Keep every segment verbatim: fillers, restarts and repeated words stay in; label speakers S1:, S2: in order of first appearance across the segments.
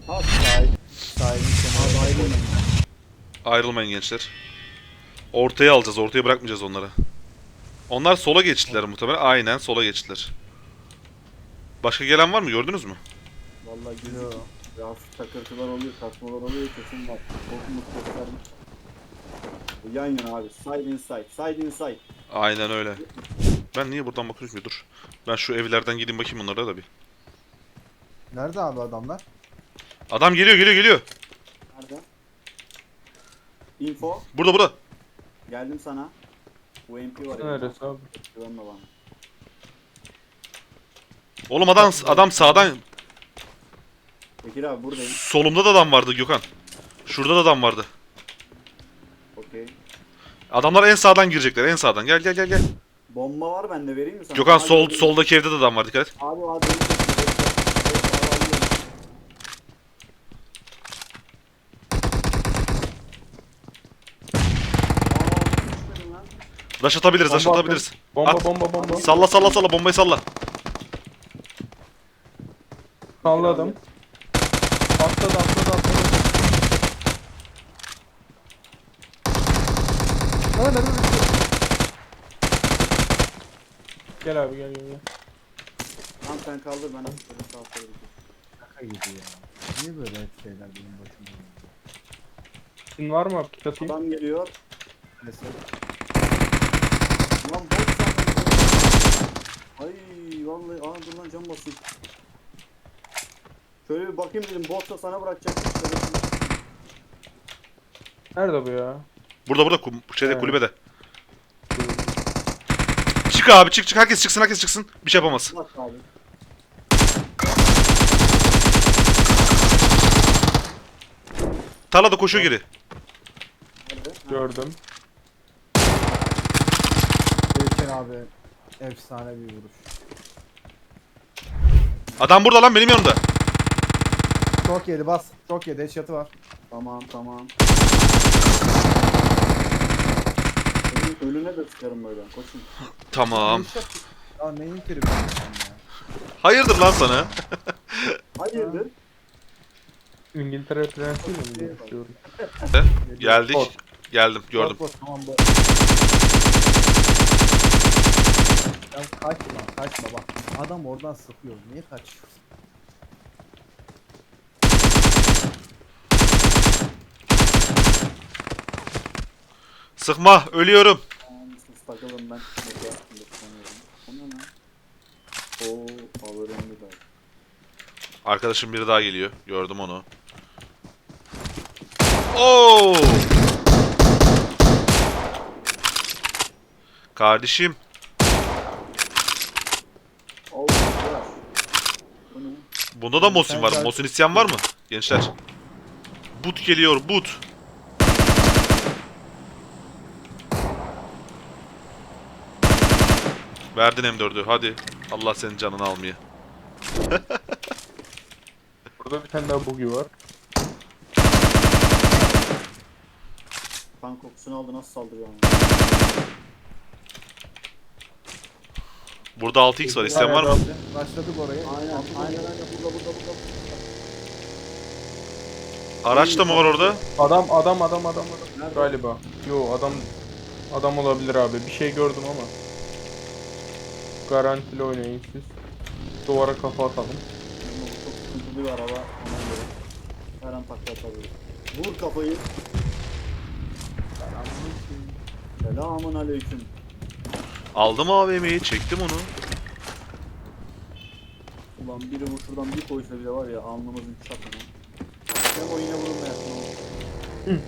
S1: Ha sahil.
S2: Sahilin kenarında.
S1: Sahilin.
S3: Ayrılmayın gençler. Ortaya alacağız. Ortaya bırakmayacağız onları. Onlar sola geçtiler muhtemelen. Aynen sola geçtiler. Başka gelen var mı? Gördünüz mü?
S1: Vallahi
S2: Yo.
S1: gözüküyor. Ya hafif takırtılar oluyor, kasmalar oluyor, kesin var. Korkumuz göstermiş. Bu yan yana abi. Side inside. Side inside.
S3: Aynen öyle. Ben niye buradan bakıyorum ki? Dur. Ben şu evlerden gideyim bakayım onlara da bir.
S2: Nerede abi adamlar?
S3: Adam geliyor geliyor geliyor.
S1: Nerede? Info.
S3: Burada burada.
S1: Geldim sana. U M P var.
S4: Neresi abi?
S1: Güvenme bana.
S3: Oğlum adam adam sağdan
S1: Bekir abi buradayım.
S3: solumda da adam vardı Gökhan. Şurada da adam vardı.
S1: Okey.
S3: Adamlar en sağdan girecekler. En sağdan. Gel gel gel gel.
S1: Bomba var bende, vereyim mi sana?
S3: Gökhan
S1: Abi,
S3: sol
S1: abi,
S3: soldaki evde de adam var. Dikkat et.
S1: Abi abi. benim de- Aa, düşmedim lan.
S3: Daş atabiliriz, daş
S4: Bomba
S3: atabiliriz.
S4: Bomba
S3: At.
S4: bomba bomba.
S3: Salla salla salla bombayı salla.
S4: Salladım. Atladı atladı atladı.
S2: Aa nerede düştü?
S4: Gel abi gel gel gel.
S1: Tamam sen kaldır, ben atıştırdım sağ sola gidiyorum.
S2: Şaka gibi ya. Niye böyle hep şeyler benim başıma geliyor?
S4: Sizin var mı abi? Pik atayım.
S1: Adam geliyor.
S2: Mesela
S1: Ulan bot sandım. Ay vallahi aa dur lan cam basayım. Şöyle bir bakayım dedim, botsa sana bırakacak.
S4: Nerede bu ya?
S3: Burada burada kum, şeyde
S4: Evet.
S3: kulübede. Çık abi çık çık herkes çıksın herkes çıksın. Bir şey yapamaz.
S1: Bak abi.
S3: Tarlada koşuyor geri.
S1: Nerede? Ha,
S4: Gördüm.
S2: Geçen abi efsane bir vuruş.
S3: Adam burada lan benim yanımda.
S2: Çok yedi bas. Çok yedi headshot'ı var.
S1: Tamam tamam. Ölü- Ölüne de sıkarım böyle, koşun.
S3: Tamam.
S2: Headshot. Ya neyin tribi sen ya?
S3: Hayırdır lan sana?
S1: Hayırdır?
S4: İngiltere prensiyle mi görüşüyorum?
S3: Geldik.
S4: Bot.
S3: Geldim gördüm.
S2: Bot, bot, tamam bu. Ya kaçma kaçma bak. Adam oradan sıkıyor. Niye kaçıyorsun?
S3: Sıkma ölüyorum.
S1: Tamam, siz takılın, ben şunu yaptım da sanıyorum. O ne lan? Oo, power önemli de.
S3: Arkadaşım biri daha geliyor. Gördüm onu. Oo! Kardeşim.
S1: Oo, var. Bu ne?
S3: Bunda da Mosin var.
S2: Sen-
S3: Mosin isteyen var mı? Gençler. But geliyor but. Verdin M dördü hadi. Allah senin canını almaya.
S4: Burada bir tane daha bugi var.
S1: Kan kokusunu aldı, nasıl saldırıyor ama.
S3: Burada altı x var. İsteyen var mı?
S2: Başladık oraya.
S1: Aynen aynen aynen, burada burada burada.
S3: Araç da mı var orada?
S4: Adam adam adam adam adam.
S1: Nerede?
S4: Galiba. Yo adam adam olabilir abi. Bir şey gördüm ama. Garantili oynayın siz. Duvara kafa atalım.
S1: Bu çok sıkıntılı bir araba, ona göre. Her an takla atabilir. Vur kafayı. Selamun aleyküm.
S3: Aldım A V M'yi çektim onu.
S1: Ulan biri bu şuradan bir koysa bile var ya, alnımızın çatını. Hem o yine vurulmayasın ama.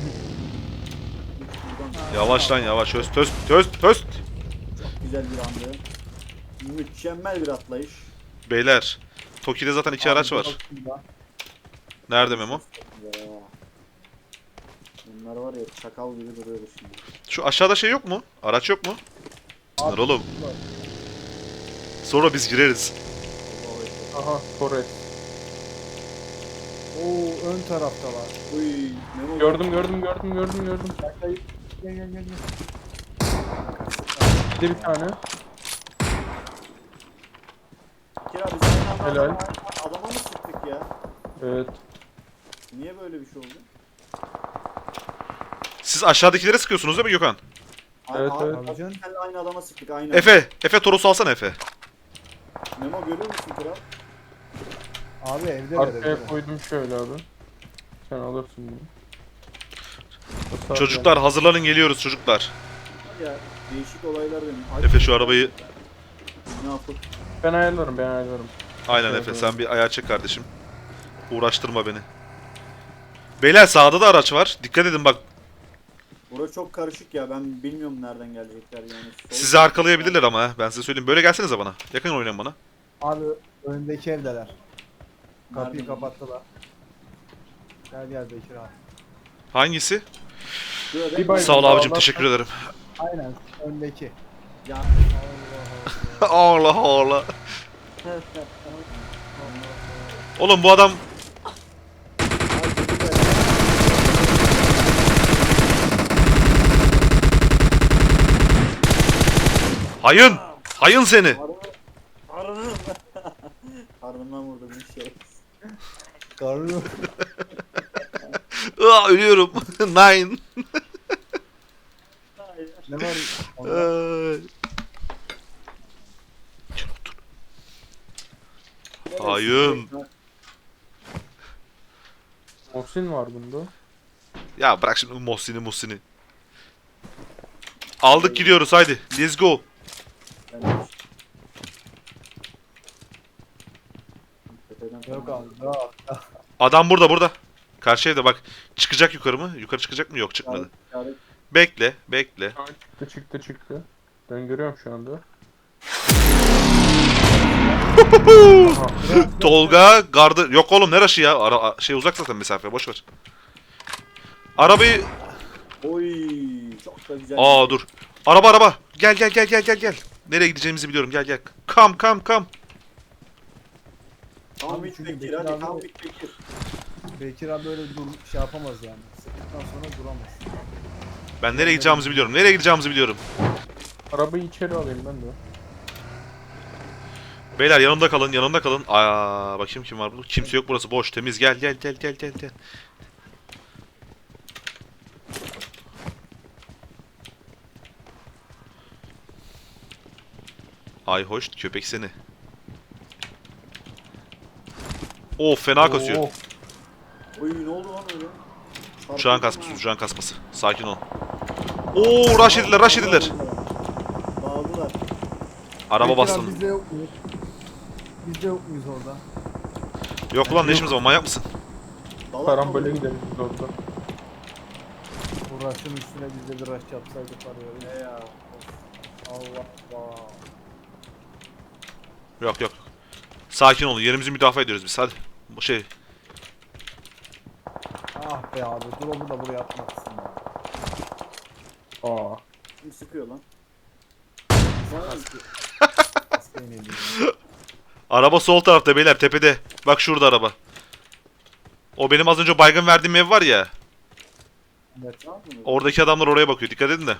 S3: Yavaş lan yavaş. Höst höst höst höst.
S1: Çok güzel bir andı. Mükemmel bir atlayış.
S3: Beyler. Toki'de zaten iki araç var. Nerede Memo?
S1: Ya. Bunlar var ya, çakal gibi duruyor şimdi.
S3: Şu aşağıda şey yok mu? Araç yok mu? Sınır oğlum. Sonra biz gireriz.
S1: Allah'a ekber.
S4: Aha Torres.
S2: Oo ön tarafta var.
S1: Uy, Memo.
S4: Gördüm gördüm gördüm gördüm gördüm.
S2: Gel gel gel gel.
S4: Bir de bir tane.
S1: Kira biz aynı anda
S4: Helal.
S1: adama, adama mı sıktık ya?
S4: Evet.
S1: Niye böyle bir şey oldu?
S3: Siz aşağıdakilere sıkıyorsunuz değil mi Gökhan?
S4: Evet,
S1: Aa,
S4: evet.
S1: abi,
S2: Canım.
S1: senle aynı adama sıktık aynı.
S3: Efe, Efe Toros'u alsana Efe.
S1: Memo görüyor musun kral?
S2: Abi evde ver evde.
S4: Arkaya
S2: ver.
S4: koydum şöyle abi. Sen alırsın bunu. Basar
S3: Çocuklar hazırlanın geliyoruz çocuklar.
S1: Hadi ya değişik olaylar benim. Ay,
S3: Efe şu arabayı...
S1: Ne yapıp?
S4: yani. Ben ayarlarım ben ayarlarım.
S3: Aynen
S4: Evet,
S3: Efe
S4: evet.
S3: sen bir ayağa çek kardeşim. Uğraştırma beni. Beyler sağda da araç var. Dikkat edin bak.
S1: Burası çok karışık ya ben bilmiyorum nereden gelecekler yani. Sol-
S3: Sizi arkalayabilirler ama ha. Ben size söyleyeyim. Böyle gelsenize bana. Yakın oynayın bana.
S2: Abi önündeki evdeler. Kapıyı
S1: Nereden?
S2: kapattılar. Gel gel Bekir abi.
S3: Hangisi?
S1: Şurada
S4: Bir bay-
S3: Sağ ol abicim
S4: Allah-
S3: teşekkür ederim.
S2: Aynen öndeki.
S1: Ya.
S3: Allah Allah. Oğlum bu adam... Hayın! Hayın seni!
S1: Karnım. Karnımdan vurdum bir şey.
S2: Karnı.
S3: Aa, ölüyorum. Nine.
S2: Ne var? onda?
S3: Ay. Hayın.
S4: Muhsin var bunda.
S3: Ya bırak şimdi Muhsin'i Muhsin'i. Aldık gidiyoruz haydi. Let's go.
S2: Yok abi. Yok.
S3: Adam burada burada. Karşı evde bak. Çıkacak yukarı mı? Yukarı çıkacak mı? Yok çıkmadı. Bekle bekle.
S4: Ha, çıktı çıktı çıktı. Ben görüyorum şu anda. Aha.
S3: Tolga gardı. Yok oğlum ne raşı ya? Ara, şey uzak zaten mesafe boş ver. Arabayı...
S1: Oy çok da güzel.
S3: Aa dur. Araba araba. Gel gel gel gel gel gel. Nereye gideceğimizi biliyorum gel gel. Kam kam kam.
S1: Tam
S2: Abi
S1: bit
S2: çünkü
S1: Bekir
S2: Bekir
S1: hadi
S2: abi-
S1: tam bit Bekir.
S2: Bekir abi böyle dur şey yapamaz yani. Sıktıktan sonra duramaz.
S3: Ben nereye gideceğimizi biliyorum. Nereye gideceğimizi biliyorum.
S4: Arabayı içeri alayım ben de.
S3: Beyler yanımda kalın, yanımda kalın. Aa, bakayım kim var burada. Kimse yok burası boş, temiz. Gel gel gel gel gel gel. Ay hoş köpek seni. Of fena kasıyor.
S4: Oo,
S1: Oy ne oldu lan öyle?
S3: Uçağın kasması, uçağın kasması. Sakin ol. Oo rush ediler, rush ediler.
S1: Dağıldılar.
S3: Araba
S2: Bekir abi
S3: bastın.
S2: Bizde yok muyuz? Bizde yok muyuz orada?
S3: Yok ulan ne işimiz var, manyak mısın?
S1: Dalak
S4: Karambole
S1: oldu.
S4: gidelim biz orada.
S2: Bu rush'ın üstüne biz de bir rush yapsaydık var ya.
S1: Ne ya?
S2: Allah Allah.
S3: Yok yok. Sakin olun, yerimizi müdafaa ediyoruz biz. Hadi. Bu şey.
S2: Ah be abi drop'u da buraya atmaksın ya.
S4: Aa.
S1: Kim sıkıyor lan?
S2: Hastayım yedim ya.
S3: Araba sol tarafta beyler, tepede. Bak şurada araba. O benim az önce baygın verdiğim ev var ya.
S2: Evet.
S1: Ne yapıyorsun?
S3: Oradaki adamlar oraya bakıyor. Dikkat edin de.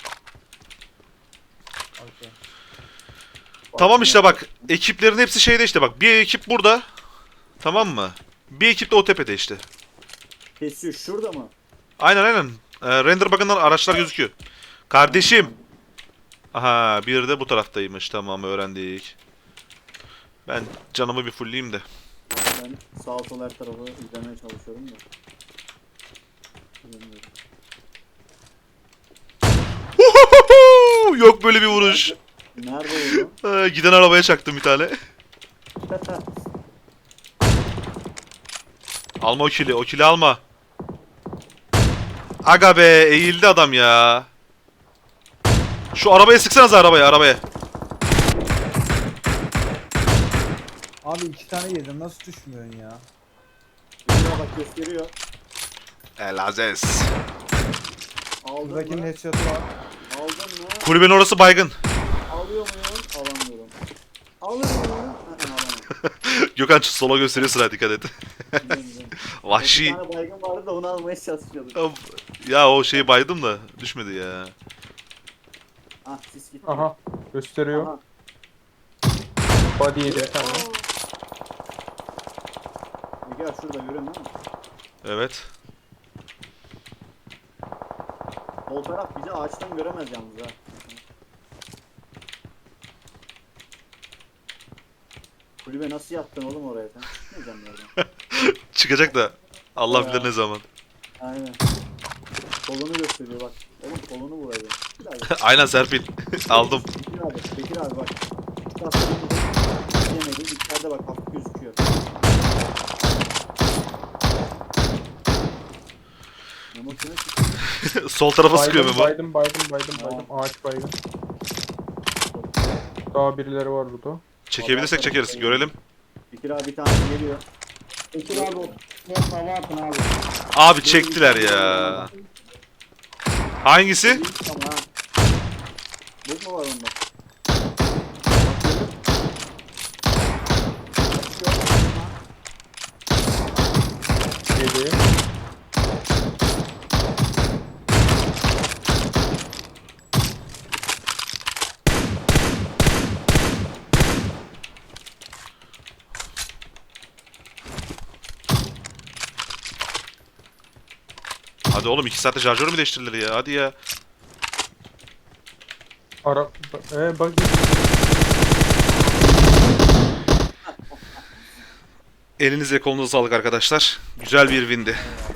S2: Okay.
S3: Tamam işte bak. Ekiplerin hepsi şeyde işte bak. Bir ekip burada. Tamam mı? Bir ekip de o tepede işte.
S1: Kesiyor şurada mı?
S3: Aynen aynen. Ee, render bug'ından araçlar gözüküyor. Kardeşim. Aha bir de bu taraftaymış. Tamam öğrendik. Ben canımı bir fullleyeyim de.
S1: Ben sağ sol her tarafı izlemeye çalışıyorum da. Bilmiyorum.
S3: Yok böyle bir vuruş.
S1: Nerede oldu?
S3: Ee, giden arabaya çaktım bir tane. Alma o kili. O kili alma. Aga be eğildi adam ya. Şu arabaya sıksanız arabaya arabaya.
S2: Abi iki tane yedim nasıl düşmüyorsun ya?
S1: Şuraya bak gösteriyor.
S3: El Aziz.
S1: Aldın
S2: Buradakinin
S1: mı?
S2: headshot'ı var.
S1: Aldın mı?
S3: Kulübenin orası baygın.
S1: Alıyor muyum? Alamıyorum. Alır mıyım? Hı, alamam.
S3: Gökhan sola gösteriyor sıra dikkat et.
S1: Güzel, güzel. Bir
S3: Vahşi.
S1: tane baygın vardı da onu almaya çalışıyorduk.
S3: Ya o şeyi baydım da düşmedi ya.
S1: Ah sis gitti.
S4: Aha. Gösteriyor.
S1: Aha.
S4: Body yedi bir tane.
S1: Gel şurada görüyorsun değil mi?
S3: Evet.
S1: Sol taraf bizi ağaçtan göremez yalnız ha. Kulübe nasıl yaptın oğlum oraya sen? Çıkmayacaksın oradan.
S3: Çıkacak da Allah
S1: Ya.
S3: bilir ne zaman.
S1: Aynen. Kolunu gösteriyor bak. Oğlum kolunu vuracak. Bekir abi.
S3: Aynen Serpil. Aldım.
S1: Bekir abi. Bekir abi bak. Şu tasarımı yemedi. İçeride bak hafif gözüküyor. Memo kime çıktı?
S3: Sol tarafa sıkıyor Memo.
S4: Baydım baydım baydım baydım. Ağaç baydım. Daha birileri var burada.
S3: Çekebilirsek çekeriz. Görelim.
S1: Bekir abi bir tane geliyor.
S5: Bekir abi o biraz hava atın abi.
S3: Abi çektiler ya. Hangisi?
S1: Tamam ha. Bug mu var onda?
S4: Yedi.
S3: Hadi oğlum iki saatte şarjör mü değiştirilir ya? Hadi ya.
S4: Ara... Ee bak.
S3: Elinize kolunuza sağlık arkadaşlar. Güzel bir windi.